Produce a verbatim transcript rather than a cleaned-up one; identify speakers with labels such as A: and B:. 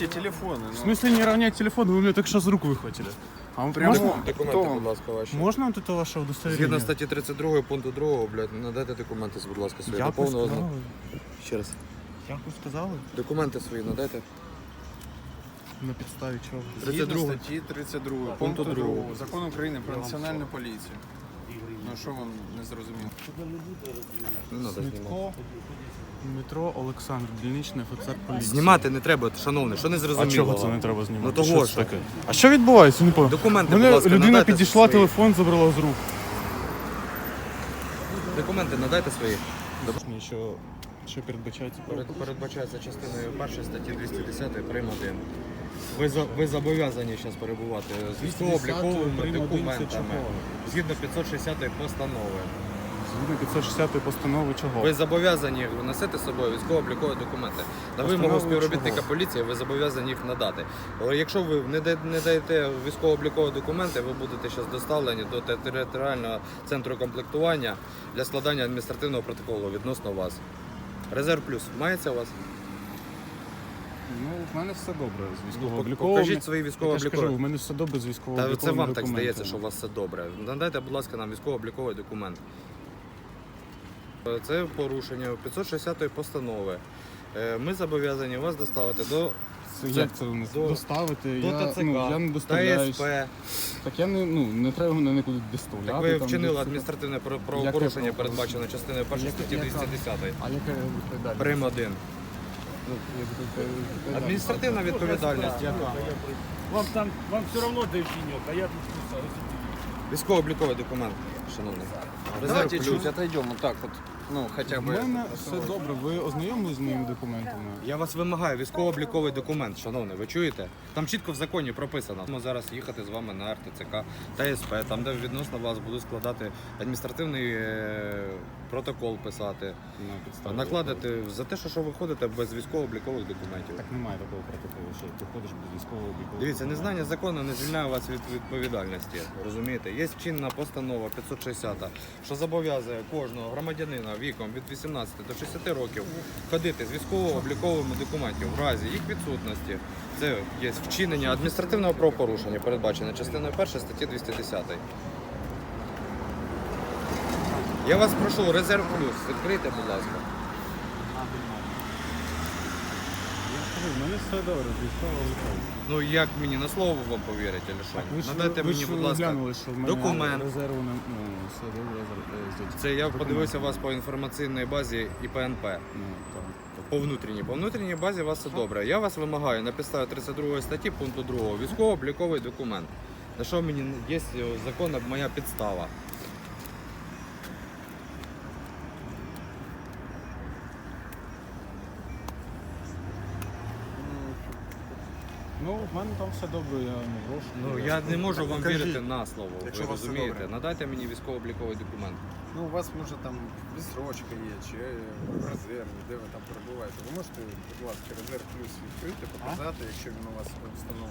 A: телефоны.
B: В смысле не равнять телефон? Вы мне только что с рук выхватили. А вам
A: Прямо
B: можно,
C: Документи, будь ласка, ваші.
B: можно вот это ваше удостоверение?
C: Згідно статті тридцять два пункту другого, блядь, надайте документи, будь ласка, свої.
B: Як
C: До
B: ви
C: повного
B: сказали?
C: зна- Ще раз.
B: Як ви сказали?
C: Документи свої надайте.
B: На підставі чого?
C: тридцять
A: Згідно
C: два.
A: статті тридцять два
C: Пункту
A: пункту
C: другого.
A: другого Закону України про національну поліцію. Ну що вам не зрозуміло?
C: Не треба знімати.
B: Смітко, Дмитро Олександр, дільничний офіцер поліції.
C: Знімати не треба, шановний, що не
B: А
C: зрозуміло?
B: чого це не треба знімати?
C: Ну того
B: що
C: що.
B: це таке? А що відбувається? Не пам'ятаю.
C: Документи,
B: Мене
C: будь ласка,
B: людина
C: надайте
B: підійшла,
C: свої.
B: телефон забрала з рук.
C: Документи надайте свої.
B: Що, що передбачається?
C: Перед- Передбачається частиною першої статті двісті десять прим. один. Ви, за- ви зобов'язані зараз перебувати з військово-обліковими
B: прим. один це
C: документами.
B: чого?
C: Згідно п'ятсот шістдесятої постанови.
B: Згідно п'ятсот шістдесятої постанови чого?
C: Ви зобов'язані носити з собою військово-облікові документи. На
B: Постанови
C: вимогу співробітника
B: чого?
C: поліції ви зобов'язані їх надати. Але якщо ви не да- не даєте військово-облікові документи, ви будете зараз доставлені до територіального центру комплектування для складання адміністративного протоколу відносно вас. Резерв плюс мається у вас?
B: Ну, в мене все добре з
C: Ну,
B: військово-обліковими.
C: покажіть свої
B: Я ж
C: військово-облікові.
B: кажу, в мене все добре з
C: Та
B: військово-обліковими
C: це вам так
B: документами.
C: здається, що у вас все добре. Надайте, будь ласка, нам військово-обліковий документ. Це порушення п'ятсот шістдесятої постанови. Е, Ми зобов'язані вас доставити до
B: Це, як це вони
C: до-
B: доставити?
C: до
B: я,
C: ТЦК,
B: ну, я не
C: Та
B: доставляюсь.
C: СП.
B: Так я не, ну, не треба мене нікуди доставляти.
C: Так ви
B: там,
C: вчинили
B: десь-
C: адміністративне про-
B: Яке
C: правопорушення,
B: правопорушення?
C: передбачене частиною першої
B: Яке-
C: статті
B: яка?
C: двісті десять.
B: А яка відповідальність?
C: Прим. один.
B: Ну, як відповідальність?
C: Адміністративна відповідальність. Яка?
D: Вам там, вам все равно дойдет, а я тут писал.
C: Військово-обліковий документ, шановний. Резерв
A: Давайте
C: плюс.
A: чуть отойдем вот так вот. Ну, хотя
B: У
A: бы.
B: мене все добре. Ви ознайомились з моїми документами?
C: Я вас вимагаю, військово-обліковий документ, шановний, ви чуєте? Там чітко в законі прописано. Ми зараз їхати з вами на ар те це ка та ес пе, там де відносно вас будуть складати адміністративний е, протокол писати,
B: На підставі.
C: накладати за те, що, що ви ходите без військово-облікових документів.
B: Так немає такого протоколу, що ти ходиш без військово-облікового.
C: Дивіться,
B: документу.
C: незнання закону не звільняє вас від відповідальності. Розумієте? Є чинна постанова п'ятсот шістдесят, що зобов'язує кожного громадянина віком від вісімнадцяти до шістдесяти років ходити з військово-обліковими документів в разі їх відсутності. Це є вчинення адміністративного правопорушення, передбачене частиною першої статті двісті десять. Я вас прошу, резерв плюс, відкрийте, будь ласка.
B: Я ж кажу, в мене все добре з військово-обліковим.
C: Ну як мені на слово вам повірити, чи що?
B: Ви ж,
C: Надайте
B: ви
C: мені,
B: ж
C: будь ласка,
B: глянули, що в мене
C: документ.
B: резерву не, ну, все добре, з- з- з-
C: Це я
B: документ.
C: подивився вас по інформаційній базі і пе ен пе.
B: Ну, так, так.
C: По внутрішній. По внутрішній базі у вас все добре. Я вас вимагаю на підставі тридцять другої статті пункту другого військово-обліковий документ. На що мені є законна моя підстава.
B: Ну, в мене там все добре, я не брошу.
C: Ну я не можу вам
A: Покажіть.
C: вірити на слово.
A: Якщо
C: Ви
A: у вас все
C: розумієте?
A: добре.
C: Надайте мені військово-обліковий документ.
A: Ну, у вас може там відсрочка є, чи в резерві, де ви там перебуваєте. Ви можете, будь ласка, резерв плюс відкрити, показати, якщо він у вас встановлений.